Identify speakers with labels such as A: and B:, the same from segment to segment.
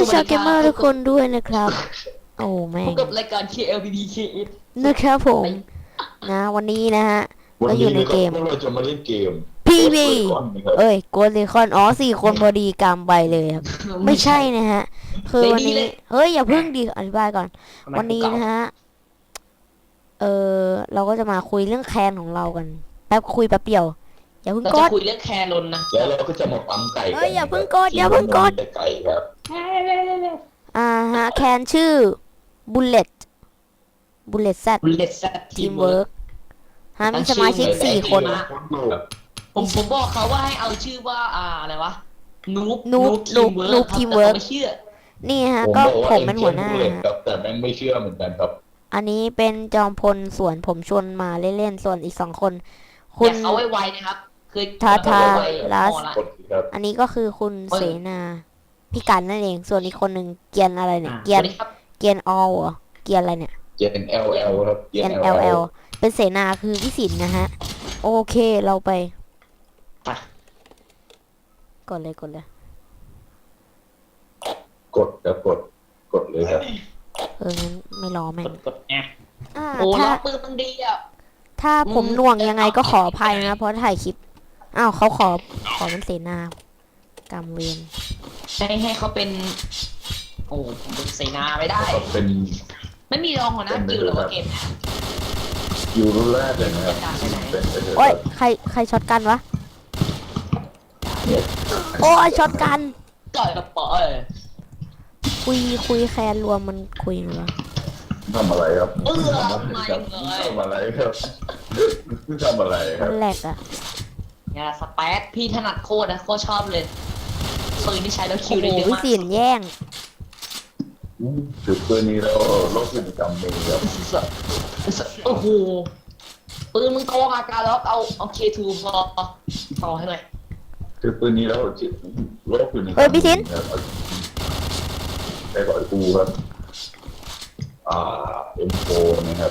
A: ชาวเกมเมอร์ทุกคนด้วยนะครับโอ้แม่
B: พบ
A: ง
B: กับรายการ KLBBKS
A: นะครับผมนะวันนี้นะฮะ
C: วัน
A: เราอ
C: นี้
A: ยู่ใน
C: นะค
A: เก
C: รับ
A: ม
C: พวกเราจะมาเล่นเกม
A: PB
C: Ghost Recon นะครับ
A: เอ้ยโกลเดคอนอ๋อ4 คนพอดีกำไปเลยครับไม่ใช่นะฮะคือวันนี้เฮ้ยอย่าเพิ่งดีอธิบายก่อนวันนี้นะฮะเราก็จะมาคุยเรื่องแคนของเรากันคุยแป๊บเดียวอย่าเพิ่ง
B: เรา
A: ก
B: จะ
A: ด
B: คุยเรื่องแครนนะ
C: แล้วเราก็จะมาปั๊มไก่กัน
A: เอ้ยอย่าเพิ่งกดอย่าเพิ่งกด
C: แต่ไก่ครับ
A: ฮะแคนชื่อ Bullet Z
B: บุลเลตแซดทีมเวิร์
A: Teamwork ฮะมีสมาชิก4 คน
C: ครับ
B: ผมบอกเขาว่าให้เอาชื่อว่าอะไรวะนูบ
A: Noob
B: ทีมเวิร์
A: Teamwork
B: ไม่เชื่อ
A: นี่ฮะ
C: ผม
A: ก็
C: บอกว่า
A: ผมเป็นหัวหน้า
C: เอ็นเจ
A: ฮะ
C: ครับแต่แม่งไม่เชื่อเหมือนกันครับ
A: อันนี้เป็นจอมพลส่วนผมชวนมาเล่นๆส่วนอีก2 คน
B: อ
A: คุณ
B: ยากเอาไวๆนะครับเคย
A: ทาทา
B: ไว้
A: ลัส
B: พอละ
C: กดสิครับ
A: อันนี้ก็คือคุณเสนาพี่กันนั่นเองส่วนอีกคนหนึ่งเกียนอะไรเนี่ย
B: อ่ะ
A: เกีย
B: ส
A: น
B: วัสดีครับ
A: เกียนออลเหรอเกียนอะไรเนี่ย
C: เจน LL ครับ
A: เกียน LL เป็นเสนาคือวิสินนะฮะโอเคเราไป
B: ไป
A: กดเลย
C: กดครับกดเลยครับ
A: งั้นไม่รอแม่ง
B: กดแอบ
A: อ่า
B: โอ้
A: ถ้า
B: ล้อปืนมันดีอ่ะ
A: ถ้าผมหน่วงยังไงก็ขออภัยนะเพราะถ่ายคลิปอ้าวเขาขอเป็นเสนากรรมเวร
B: ให้เขาเป็น โอ้ผมเป็นเสนาไม่ได้
C: ก็เป็น
B: ไม่มีรองหัวหน้ากิลด์หรือว่าเกม
C: ยูรุ่นแรกเลยนะครับเป็น
A: โอ้ยใครช็อตกันวะโอ้ยช็อตกัน
B: ก่อยกระป๋อ
A: คุยแคนรวมมันคุยเหรอ
C: ทำอะไรครับ
B: ไม่
C: ทำอะไรครับทำอะไรค
A: มั
C: รับ
A: นแหลกอะ
B: เนี่ยสเปซพี่ถนัดโคตรนะโคตรชอบเลยปืนที่ใช้แล้วคิ
A: โอ้
B: ว
A: โห
B: ได้เยอะ
A: วิ
B: มาก
A: สินแย่ง
C: ถือปืนนี้แล้วโลกพฤติกรรมมีครับ
B: โอ้โหปืนมึงโกงอาการแล้วเอาเคทูพอต่อให้หน่อย
C: ถือปืนนี้แล้วโลกพฤติกรรม
A: เฮ้ยพี่ทิน
C: ไปก่อนกูครับM4 นะครับ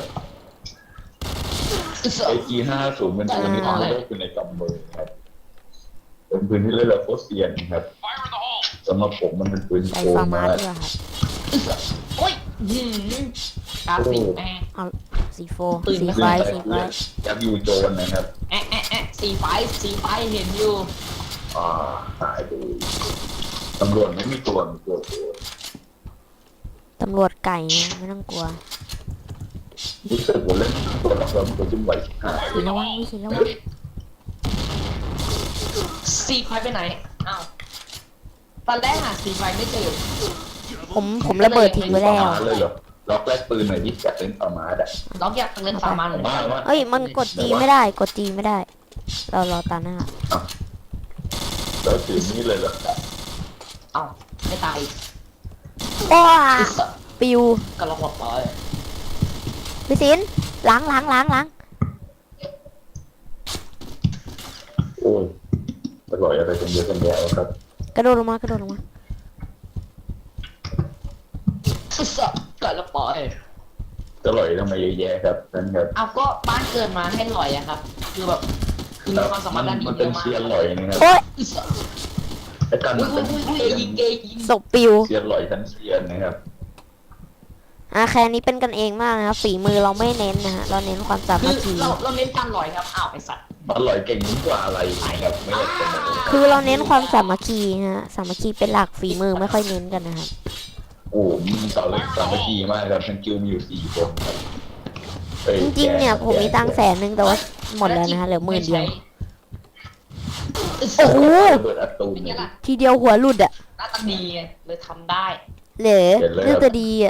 C: AG50เป็นปืนที่ทำให้โลกอยู่ในกำมือครับเป็นปืนที่เล่นแล้วโคตรเซียนครับสำหรับผมมันเป็นปืน
A: ใส่
C: โก
A: ฟาง ร์มา
C: มา
A: ส
C: ก
A: ด้วยครับ
B: โอ้ยกราฟิกแม่
A: เอาสีโฟ
B: ปืน
A: สี
B: ไม่
A: ไฟ
B: เคย
A: สีไฟ
C: ยักษ์ยูโจนนะครับ
B: สีไฟเห็นอยู่
C: หายไปตำรวจไม่มีตัวมีตัว
A: ตำรวจไก่ไม่ต้องกลัว
C: รู้สึกว่าเล่นตัวละครตัวจิ้มไหวหาย
A: สีระวังวิสีระวัง
B: สีไฟไปไหนอ้าวตอนแรกหาสีไฟไม่เจอ
A: ผมระเบิดทิ้งไว้แล้ว
C: เลยเหรอล็อกแรกปืนหน่อยที่อยากเล่นประมาดอ่ะ
B: ล็อกอยากเล่นฟาร์มันเลย
C: ว่า
A: เอ้ยมันกดจีไม่ได้กดจีไม่ได้ เรารอตาหน้า
C: แล้วถือนี่เลยเหรอ
B: เอ้าไม่ตาย
A: ว้าปิว
B: ก็ล็อกหัวปอย
A: วิสินล้าง
C: โอ้ยอร่อยอะไรกันเยอะกันแยะครับ
A: กระโดดลงมา
B: ก็ล็อกปอย
C: อร่อยทำไมเยอะแยะครับนั่นครับ
B: เอาก็บ้านเกิดมาให้หลอยอะครับ คือแบบคือมีความสามารถด้านนี้
C: มัน
B: เย
C: เป็น
B: อะมาก
C: เชียร์อร่อยนะครับ
A: โอ้ย
C: ไอ้กัน
B: อุ้
C: มั
B: ย
C: น
B: อุ้
C: เป็น
B: ยอุ้ยยิงเกย์ยิง
A: ศพปิว
C: เชียร์อร่อยทั้งเชียร์นะครับ
A: แค่นี้เป็นกันเองมากนะครับฝีมือเราไม่เน้นนะฮะเราเน้นความสา
B: คื
A: มั
B: อ
A: คคี
B: เราเน้นการหลอยครับอ้าวไอสัตว์
C: อร่อยเก่งยิ่งกว่าอะไรนะครับไม่อยากจะบอก
A: คือเราเน้นความสามัคคีนะฮะสามัคคีเป็นหลักฝีมือไม่ค่อยเน้นกันนะครับ
C: โอ้มึงต่อเลยสามัคคีมากครับทั้งคิวมีอยู่4 คนครับ
A: จริงๆเนี่ยผมมีตังค์100,000แต่ว่าหมดแล้วนะฮะเหลือ10,000 เดียว โอ้โห
C: เปิดอัตูม
B: เป็น
C: เล
B: ไง
C: ย
B: ล่ะ
A: ทีเดียวหัวหลุดอะ
B: หน้าตาดีไงเลยทำได้
A: เหลอเรื่องจะดีอะ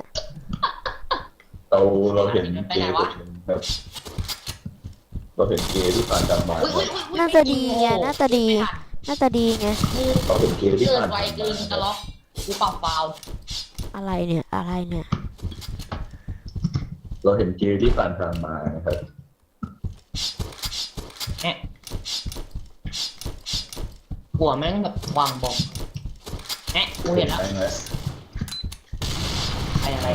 C: เราเห็นเกย์คนหนึ่งครับเราเห็นเกย์ที่ผ่านการมา
A: น่าจะดีไงน่าจะดีไง
C: เราเห็นเกย์ที่
B: เกิ
C: ผ่าน น
B: ไวเกินจะล็อกกูเปล่าเปล่า
A: อะไรเนี่ย
C: เราเห็นเกย์ที่ผ่านทางมานะครับ
B: แอะหัวแม่งแบบวางบอมแอะกูเห็นแล้วอะไร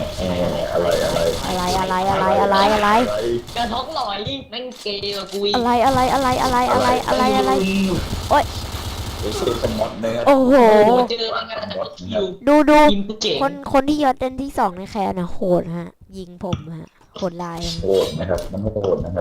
B: กระท้องลอยแม่งเกย์กับกูอีก
A: อะไรโอ๊ย
C: โเป็นสมอตนะครับ
A: โอ้โห
B: โอ้เจอมันกันแต่ก็คิว
A: ดู
B: ยิงกูเก่ง
A: คนที่ยศเป็นที่ 2ในแคนนะโหดฮะ ยิงผมฮะโหดลาย
C: โหดนะครับมันโหดนะครับ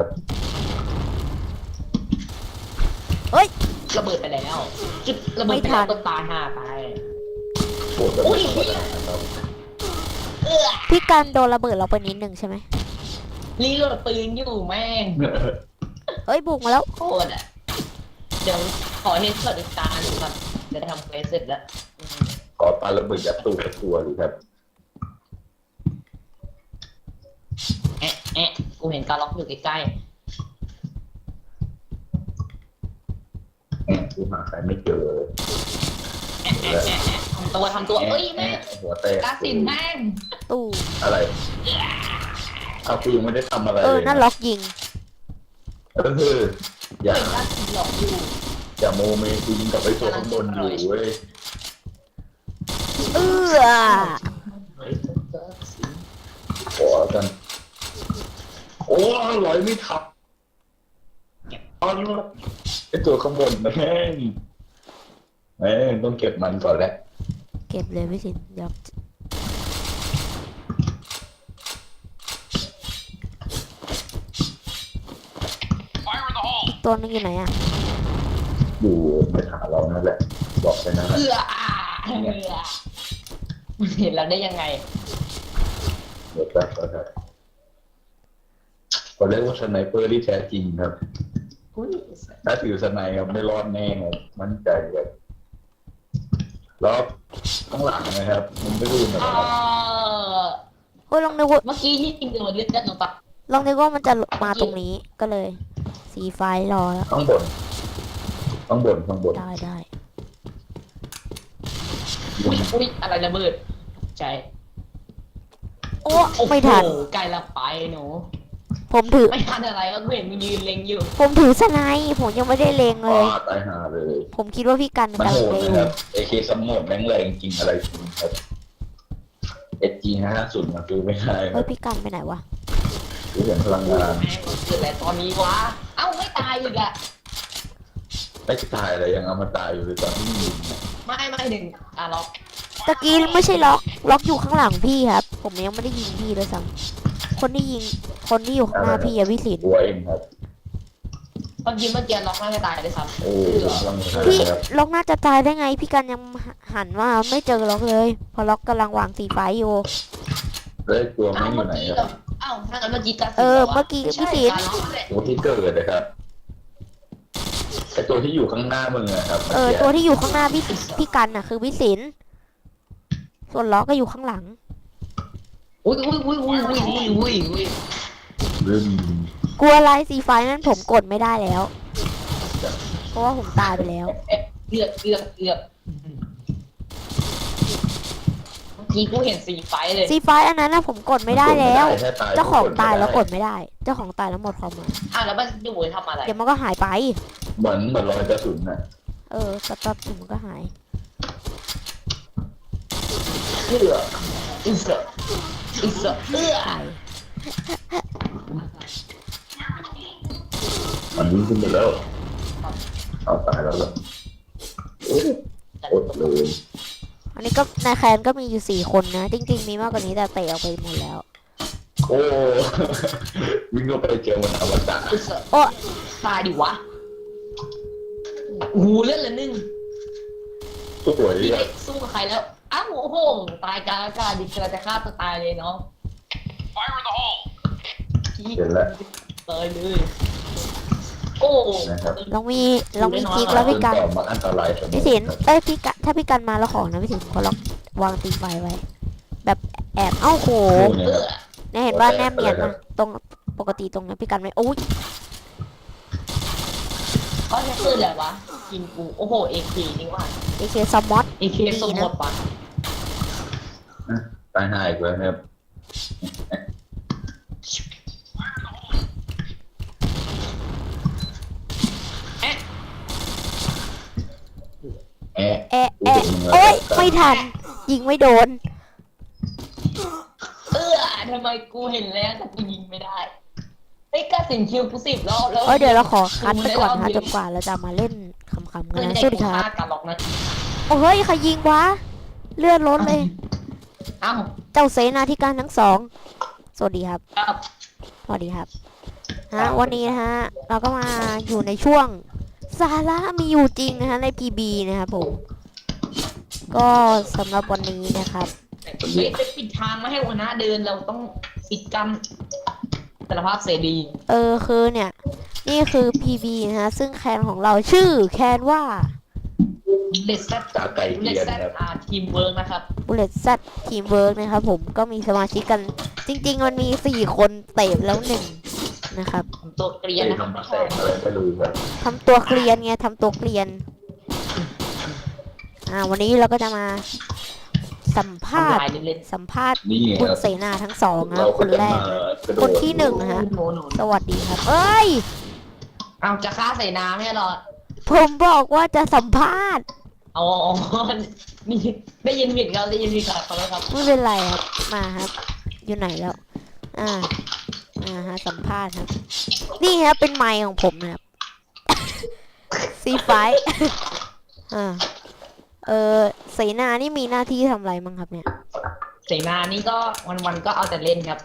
B: ระเบิดไปแล้วจุดระเบิดไปแล้วก็ตายห่าไป
C: โหดแบบไม่ธรรมดานะครับ
A: พี่กันโดนระเบิดเราไปนิดนึงใช่ไหม
B: รีโหลดปืนอยู่แม่ง
A: เอ้ยบุกมาแล้ว
B: โคตรอ่ะเดี๋ยวขอเฮดช็อตอีกตาหนึ่งก่อนจะทำเควสเสร็จแล้ว
C: ขอปาระเบิดยัดตู้กับตัวดูครับ
B: แอะกูเห็นการล็อกอยู่ใกล้
C: กูหาใครไม่เจอเลย
B: ๆทำตัวเอ้ยแม่ง
C: หัวแตก
B: กาสินแม่ง
A: ตู้
C: อะไรเอากูยังไม่ได้ทำอะไรเลย
A: นั่นล็อกยิง
C: อย่า
B: เป็นกาสินหลอกอยู่
C: อย่าโมเมกูยิงกับไอ้ตัวข้างบนอยู่เว้ย
A: เอื้อ
C: ขอกันโอ้ร้อยไม่ทับอ๋อไอ้ตัวข้างบนนะแม่งต้องเก็บมันก่อนแหละ
A: เก็บเลยพี่สินเดี๋ยวอีกตัวนึงอยู่ไหนอ่ะ
C: อยู่ในขาเรานั่นแหละ บอกไปนะ
B: เอื้อเห็นแล้วได้ยังไง
C: เดี๋ยวแป๊บครับก็เรียกว่าสไนเปอร์ที่แท้จริงครับ ถ้าถือสไนครับไม่รอดแน่ครับมั่นใจครับแล้วข้างหลังนะครับ มันไม่รู้นะค
B: เอ่
C: รับ
B: อ
A: โอ้ยลองนึกว่า
B: เมื่อกี้ที่จริงโดนเลือดหนูปะ
A: ลองนึกว่ามันจะมาตรงนี้ก็เลย สีไฟรอแล้ว
C: ข้างบน
A: ได้
B: อุ้ยอะไรระเบิดใจ
A: โอ้ไม่ทัน
B: โอ้โหไกลละไปหนู
A: ผมถือ
B: ไม่ทันอะไรก็เห็นมึงยืนเล็งอยู่
A: ผมถือสไนป์ผมยังไม่ได้เลงเลย
C: ตายหาเลย
A: ผมคิดว่าพี่กัน
C: มัน
A: กำลั
C: โห
A: ง
C: ด
A: เล
C: นะ
A: ง
C: ครับ AK สมดแรงแรงจริงอะไรจริงครับ SG50 มาคือไม่ได้ค
A: เฮ้
C: รั
A: ย
C: บ
A: พี่กันไปไหนวะ
C: คือเห็นพลังงาน
B: แม่งเกิดอะไรตอนนี้วะ เอ้าไม่ตายอีกอะ
C: ไม่ตายอะไรยังเอามาตายอยู่เลยตอนที่ยิงเนี่ย
B: ไม่หนึ่งล็อก
A: ตะกี้ไม่ใช่ล็อกอยู่ข้างหลังพี่ครับ ผมยังไม่ได้ยิงพี่เลยซ้ำคนที่อยู่ข้างหน้าพี่อะพี่สิน
C: ตัวเองครับ
B: เมื่อกี้ล็อกน่าจะตายเลยครับ
C: โอ้พลังงาน
A: พี่
C: ครับ
A: ล็อกน่าจะตายได้ไง พี่กันยังหันว่าไม่เจอล็อกเลยพอล็อกกำลังวางสีไฟอยู่
C: แล้วตัวไม่
B: เอ้า
C: อยู่
B: เมื่อ
C: ไหน
B: กี้
C: ครับ
B: เอ้าถ้างั้นเมื่อกี้กัด
A: เมื่อกี้พี่สิน
C: ตัวที่เกิดนะครับไอตัวที่อยู่ข้างหน้ามึงนะครับ
A: ตัวที่อยู่ข้างหน้าพี่กันน่ะคือพี่สินส่วนล็อกก็อยู่ข้างหลัง
B: อุ้ย
C: ลืม
A: กลัวอะไรสีไฟนั้นผมกดไม่ได้แล้ว เพราะว่าผมตายไปแล้ว
B: เกือบเมื่อกี้กูเห็นสีไฟเลย
A: สีไฟอันนั้นนะผมกดไม่ได้แล้ว
C: แค่
A: เจ้าของตายแล้วกดไม่ได้ เจ้าของตายแล้วหมดความหมาย
B: แล้วมันอยู่ทำอะไร
A: เดี๋ยวมันก็หายไป
C: เหมือนรอยกระสุนน่ะ
A: แป๊บๆเดี๋ยวมันก็หาย
B: เอื้อเอื้อ
C: มันวิ่งขึ้นไปแล้วเอาตายแล้วเหรออดเลย
A: อันนี้ก็ในแคนก็มีอยู่4 คนนะ จริงๆมีมากกว่านี้แต่เตะออกไปหมดแล้ว
C: โอ้ วิ่งเข้าไปเจอมันอวตาร
A: โอ้
B: ตายดิวะโอ้โหเลือดละ1
C: สวย
B: พี่
C: อ่ะ
B: ได้สู้กับใครแล้ว อ้าวโอ้โห ตายกลางอากาศดิกระจะฆ่าตัวตายเลยเนาะพี่
C: เห็นแล้ว
B: ตายเลย โอ้
C: นะครับ
A: ลองมีคลิกแล้วพี่กัน
C: ต่อมาอันตรายสม
A: พี่สินพี่กันถ้าพี่กันมาแล้วของนะพี่สินขอล็อกวางตีไฟไว้ แบบแอบโห
C: เนี่ยครับ
A: เนี่ยเห็นว่าแนบเนียนนะตรงปกติตรงนั้นพี่กันไม่โอ้ย
B: เขาจะขึ้นแหละวะ กินกู โอ้โห เอเคจริงว่ะ
A: เอเคสมอต
B: เอเคสมหมดปะ
C: ตายหายอีกแล้วครับแอะ
A: โอ้ยไม่ทัน ยิงไม่โดน
B: ทำไมกูเห็นแล้วแต่กูยิงไม่ได้อ้ยกระสินคิวกู10 รอบแล้ว
A: เดี๋ยวเราขอคัดไปก่อนนะจนกว่าเราจะมาเล่นคำๆกัน
B: เพื่อน
A: นะ
B: ใจ
A: สวัสดี
B: กู
A: ครับ
B: ฆ่ากันหรอกนะ
A: โอ้เฮ้ยใครยิงวะเลือดล้นเลย
B: เอ้า
A: เจ้าเสนาธิการทั้งสองสวัสดีครับ
B: ครับ
A: สวัสดีครับวันนี้นะฮะเราก็มาอยู่ในช่วงสาระมีอยู่จริงนะฮะใน PB นะครับผมก็สำหรับวันนี้นะครับ
B: เฮ้ยไปปิดทางไม่ให้หัวหน้าเดินเราต้องปิดกันสารภาพเสรี
A: คือเนี่ยนี่คือ PB นะฮะซึ่งแคนของเราชื่อแคนว่า
B: เลสเซต
C: จากไก่
B: เล
C: เกี
B: ส
C: ยน
B: เซต
C: ครับ
B: ทีมเวิร์กนะครับ
A: Bullet Z Teamwork นะครับผมก็มีสมาชิกกันจริงๆมันมี4คนเตะแล้ว1นะครับ
B: ตัวเกลียน
C: ไอ้
B: นะครับ
C: ทำมาแสงอะไรไม่รู้ครับ
A: ทำตัวเกลียนไงทำตัวเกลียนวันนี้เราก็จะมาสัมภาษณ์
B: ทำลายเล่น
A: สัมภาษณ์
C: นี่
A: คุณ
C: ครับ
A: เสนาทั้งสองนะ
C: เรา
A: ค
C: ก็
A: น
C: จะ
A: แรก
C: มา
A: นะ
C: กระโดด
A: คนที่หนึ่ง
B: ๆ
A: นะฮะ
B: หนู
A: สวัสดีครับ เอ้ย
B: เอาจะฆ่าใส่น้ำไม่หรอ
A: ผมบอกว่าจะสัมภาษณ์
B: อ๋อนี่ได้ยินผิดครับได้ยินผิดครับขอโทษครับ
A: ไม่เป็นไรครับมาครับ อยู่ไหนแล้วฮะสัมภาษณ์ครับ นี่ครับเป็นไมค์ของผมนะครับ C5 เสนานี่มีหน้าที่ทำอะไรมั้งครับเนี่ย
B: เสนานี่ก็วันๆก็เอาแต่เล่นครับ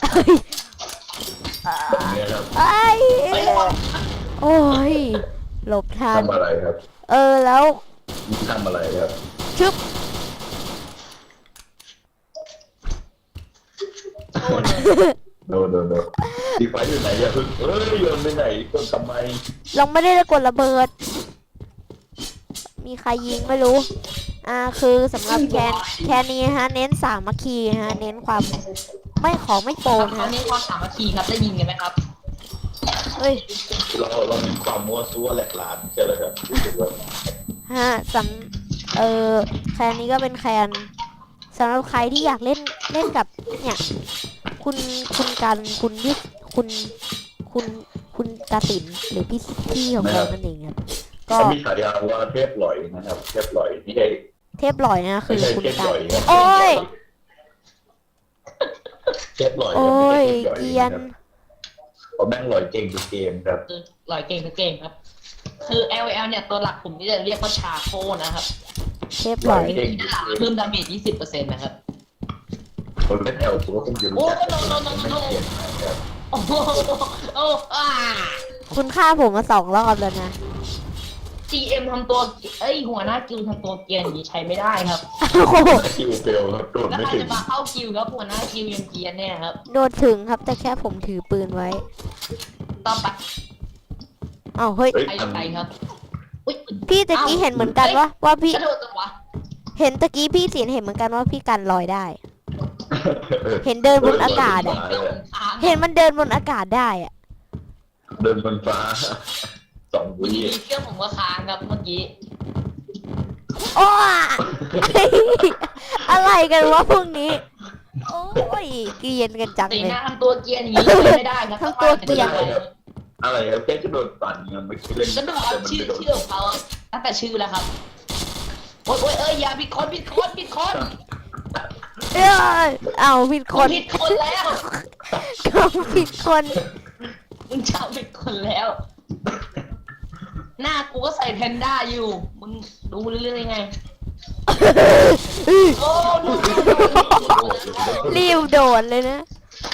C: แบบนี้ครับ
A: เอ้ยโอ้ยหลบทัน
C: ทำอะไรครับ
A: แล้ว
C: นี่ทำอะไรครับ
A: ชึบ
C: โดนตีไฟอยู่ไหนอย่าเพิ่งโยนไปไหนโยนทำไม
A: เราไม่ได้กดระเบิด มีใครยิงไม่รู้ คือสำหรับแคนนี้ฮะ เน้นสามัคคีฮะ เน้นความไม่โปน
B: เขา
A: ฮะ
B: เน้นความสามัคคีครับได้ยินกันไหมครับ
A: เฮ้ย
C: เรามีความมั่วซั่วแหลกหลานใช่ไหมครับรู้สึกว่า
A: แคนนี้ก็เป็นแคนสำหรับใครที่อยากเล่นกับเนี่ย คุณกันคุณกาสินหรือพี่ของเรานั่นเองครับ ก็
C: เขามีฉายาว่าเทพหลอยนะครับเทพหลอยไม่ใช่
A: เทพหล่อยนะคื
C: ไม่
A: อ
C: ใช่
A: คุณ
C: เทพ
A: กั
C: หล
A: น
C: อยครับ
A: โอ้ย
C: เทพหลอย
A: โอ้ย
C: ไม่
A: เกรี
C: ใช่
A: ยน
C: เทพหลอยนะครับเขาแม่งหลอยเก่งทุกเกมครับ
B: คือลอยเก่งทุกเก่งครับ คือ LL เนี่ยตัวหลักผมที่จะเรียกว่าชาโคนะครับ
A: เทพหล่อย
C: เก่งทุกเกม
B: เพิ่มดาเมจ 20%นะครับ
C: คนเล่นแอลตัวคงจะรู้จักแต่ไม่เก่งนะครับ
B: โอ้โหอ่า
A: คุณฆ่าผมมา2 รอบแล้วนะ
B: GM ทำตัวหัวหน้ากิลทำตัวเกรียนอย่างนี้ใช้ไม่ได้ครับ
A: โอ้โห
C: คิวเฟลครับโดน
B: แล้ว
C: ไม่
B: ใคร
C: ถึง
B: จะมาเข้ากิลครับหัวหน้ากิลยังเกรียนเนี่ยครับ
A: โดนถึงครับแต่แค่ผมถือปืนไว้
B: ต่อไป
A: อ้าวเฮ้ย
C: เฮ้ย
B: ใครใครครับอุ๊ย
A: พี่ตะกี้เห็นเหมือนกันว่าพี่
B: กระโดดจังวะ
A: เห็นตะกี้พี่เสียนเห็นเหมือนกันว่าพี่กันลอยได้ เห็นเดินบนอากาศอะ
B: เครื่องผมค้าง
A: เห็นมันเดินบนอากาศได้อะ
C: เดินบนฟ้า2
B: อยู่
C: วิ
B: ดีๆเครื่องผมก็ค้างครับเมื่อกี้
A: โอ้อะไรกันวะพวกนี้ โอ้ยเกรียนกันจัง
B: ตี
A: เลย
B: หน้าทำตัวเกรียนอย่างนี้ใช้ไม่ได้ครับ
A: ทำตัวเกรียน
C: อะไรครับแค่กระโดดปั่นเงินไม่คิดเล่น
B: กระโดด
C: แต่มัน
B: ชื่อ
C: ไม่โดด
B: ชื่อของเขาอะตั้งแต่ชื่อแล้วครับโอ๊ยอย่าผิดคนผิดคน
A: เอ้ยเอาผิดคน
B: ผิดคนแล้ว
A: ก็ผิดคน
B: มึงจำผิดคนแล้ว หน้ากูก็ใส่แพนด้าอยู่ มึงดูเรื่อยๆไง โอ้ดู
A: รีบโดดเลยนะ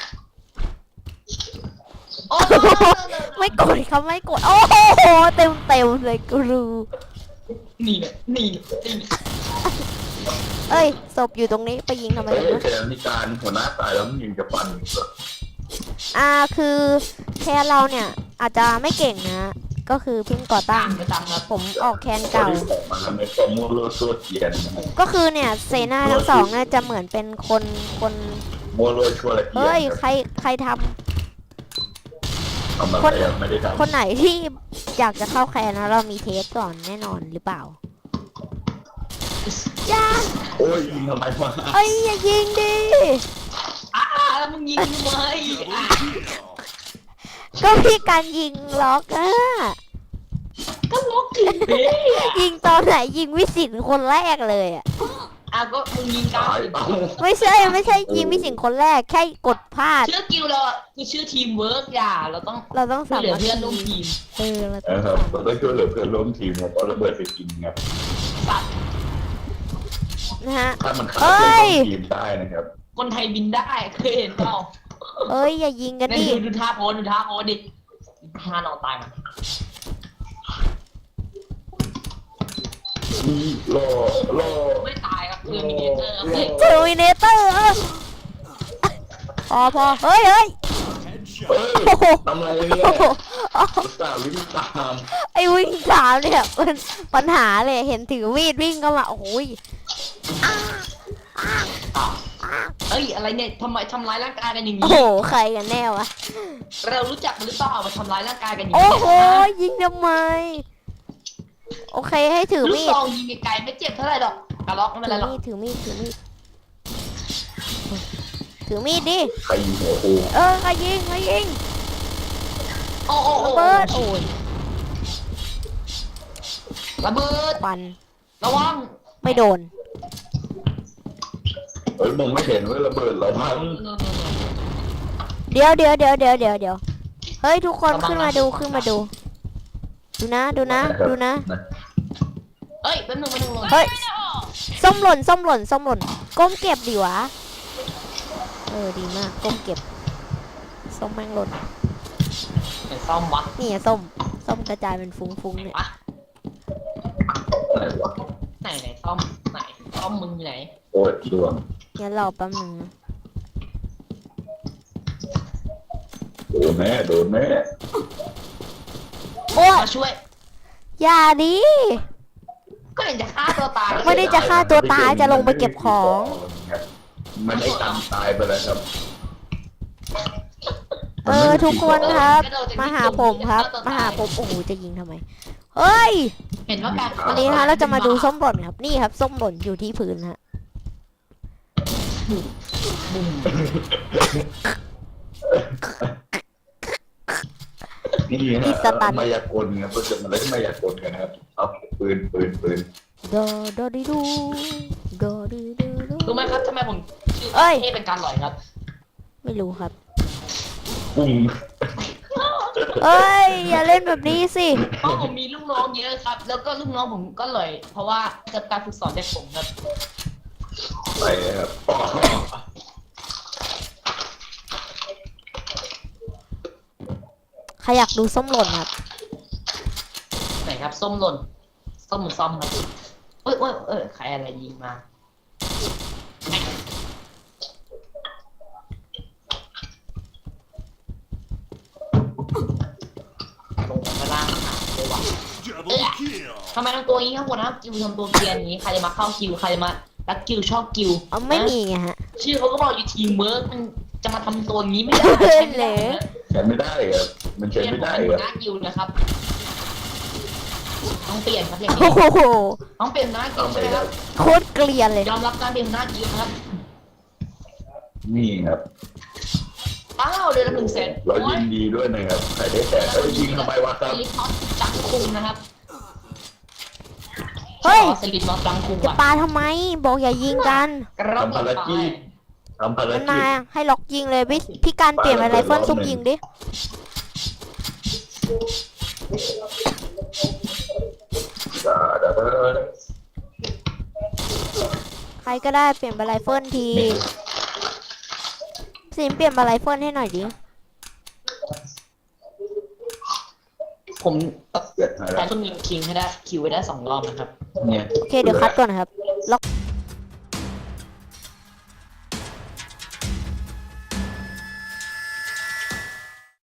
B: โอ้
A: ไม่กดเขาไม่กด โอ้โหเต็มเลยกูรู้
B: นี่นี่
A: เอ้ยศพอยู่ตรงนี้ไปยิงทำไม
C: เฮ้ย
A: นะ
C: แค่นิการหัวหน้าตายแล้วมันยังจะปั่นอีกเหรอ
A: คือแคนเราเนี่ยอาจจะไม่เก่งนะ ก็คือเพิ่งก่อตั้
B: ต่าง งไปตามครับ
A: ผมออกแคน
C: ตอน
A: เก่า
C: ที่ออกมาในฟอร์มูล่าตัวเกียนนะครับ
A: ก็คือเนี่ยเซนาทั้งสองเนี่ยจะเหมือนเป็นคน
C: มัวโรยชัวร์ละเกียน
A: เฮ้ย
C: ครับ
A: ใครท
C: ทำอะไรอะไม่ได้
A: ำคนไหนที่อยากจะเข้าแคนนะเรามีเทสก่อนแน่นอนหรือเปล่าจ้า
C: โอ้ยยิงทำไมวะ
A: เอ้ยอย่ายิงดิ
B: แล้วมึงยิงทำไม
A: ก็พี่การยิงล็อกอะ
B: ก็ล็อกอยู่ดิ
A: ยิงตอนไหนยิงวิสิตคนแรกเลยอะ
B: ก็มึงยิงกลาง
C: ตาย
B: สิ
C: เอ้า
A: ไม่ใช่ยิงพี่สิงห์คนแรกแค่กดพลาด
B: ชื่อกิลเราคือชื่อทีมเวิร์กอย่าเราต้อง
A: เราต้อง
B: ช่ว
A: สาย
B: เหลือ
A: มัค
B: เพื่อนร่วม
A: คี
B: ทีม
A: เรา
C: เออครับเราต้องช่วยเหลือเพื่อนร่วมทีมครับเอาระเบิดไปกินครับ
B: สัตว์
A: นะฮะ
C: ถ้ามันฆ่า
A: เอ้
C: เพื่อนร่วย มทีมได้นะครับ
B: คนไทยบินได้เคยเห็นเปล่า
A: เอ้ยอย่ายิงกัน
B: เนี่ย
A: ดิ
B: ดูท่าโพสดิท่านอนตายมัน
C: รอ
B: ไม่ตายครับคือมีเนเจอร์ครับ
A: เทอร์มินเตอร์พอเฮ้ย
C: เอ้ย
A: โอ้โห
C: ทำอะไรเนี่ย
A: โอ้โห
C: อุตส่าห์วิ่งตาม
A: ไอ้วิ่งสามเนี่ยมันปัญหาเลยเห็นถือมีดวิ่งเข้ามาโอ้ย
B: เอ้ยอะไรเนี่ยทำไมทำร้ายร่างกายกันอย่าง
A: โอ้
B: นี้
A: โหใครกันแน่วะ
B: เรารู้จักมันหรือเปล่ามาทำร้ายร่างกายกันอย่าง
A: โอ้
B: นี้
A: โหยิงทำไมโอเคให้ถือ
B: ลูก
A: มี
B: ซ
A: ด
B: องยิงไกลๆไม่เจ็บเท่าไหร่หรอกกระล็อกไม่เป็นไรหรอก
A: ถือมีดดิ
C: ใครยิงหัวกู
A: ใครยิง
B: โอ้โอ้โอ้
A: ระเบิดโอ้ย
B: ระเบิด
A: ควัน
B: ระวัง
A: ไม่โดน
C: เอ้ยมึงไม่เห็นว่าระเบิดเราพัง
A: เดี๋ยวเฮ้ยทุกคนขึ้นมาดูดูนะ
B: เอ้ยแป๊บนึง
A: เฮ้ยส้มหล่นก้มเก็บดิวะดีมากก้มเก็บส้มแม่งหล่น
B: ไหนซ่อมวะ
A: นี่อะส้มกระจายเป็นฟุ้งๆเนี่ย
B: วะ
C: อะไรวะ
B: ไหนซ่อมมึงอยู่ไหน
C: โอ้ยดวง
A: งั้นรอแป๊บนึงนะ
C: โดนแม่
A: โอ้ย
B: มาช่วย
A: อย่าดิ
B: ก็เห็นจะฆ่าตัวตาย
A: ไม่ได้จะฆ่าตัวตายจะลงไปเก็บของ
C: มันได้ตามตายไปแล้วครับ
A: ทุกคนครับ มาหาผมครับโอ้โหจะยิงทำไมเฮ้ย
B: เห็นว่าการ
A: วันนี้นะเราจะมาดูส้มหล่นครับนี่ครับส้มหล่นอยู่ที่พื้นฮะ
C: นี่ฮะมายากลครับก็จะมาเล่นมายากลกันครับเอาปืน
A: โดดิดู
B: รู้ไหมครับทำไมผมชื่อเท่เป็นการหลอยครับ
A: ไม่รู้ครับ
C: ปุ้ง
A: เอ้ยอย่าเล่นแบบนี้สิ
B: เพราะผมมีลูกน้องเยอะครับ แล้วก็ลูกน้องผมก็หลอยเพราะว่าจะการฝึกสอนจากผมครับ
C: ไปครับ
A: ใครอยากดูส้มหล่นครับ
B: ไหนครับส้มหล่นส้มเหมือนซ่อมครับใครอะไรยิงมาลงไปล่างหาเลยว่ะทำไมทำตัวนี้ครับผมนะคิวทำตัวเกรียนอย่างนี้ใครจะมาเข้าคิวใครจะมารักคิวชอบคิว
A: ไม่มีไงฮะ
B: ชื่อเขาก็บอกอยู่ทีมเวิร์กมันจะมาทำตัวนี้ไม่ได้
A: เล่น
B: ใช่
A: เลย
B: ไหม
C: ใช้ไม่ได้ครับมันใช้
B: เปลี่ยน
C: ไม่
B: ผม
C: ได้
B: เป็น
C: ค
B: หั
C: รั
B: ว
C: บ
B: หน้าคิวนะครับต้องเปลี่ยนครับอย่าง
A: โอ้
B: นี้
A: โห
B: ต้องเปลี่ยนหัวหน้าคิวใช่ไหมครับ
A: โคตรเกลียนเลย
B: ยอมรับการเปลี่ยนหัวหน้าคิวครับ
C: นี่ครับ
B: อ้าวเดือนละ100,000
C: เรายินดีด้วยนะครับใครได้แต่ก็ยิงทำไมวะครับ
B: สลิปน็อตจังคุงนะครับ
A: เฮ้ย
B: สลิปน็อตจังคุง
A: จะ
B: ว่ะ
A: ปาทำไมบอกอย่ายิงกัน
B: กระรอก
C: ทำภารกิจทำภาร
A: มัน
C: กิ
A: มา
C: จ
A: ให้ล็อกยิงเลยพี่การเปลี่ยนเป็นไรเฟิลซุปยิงดิ ใครก็ได้เปลี่ยนเป็นไรเฟิลทีสินเปลี่ยนเป็นไรเฟิลให้หน่อยดิ
B: ผมแต่ต้องยิงคิงให้ได้คิวไว้ได้2 รอบนะครับ
C: เนี่ย
A: โอเคเดี๋ยวคัดก่อนนะครับล็อก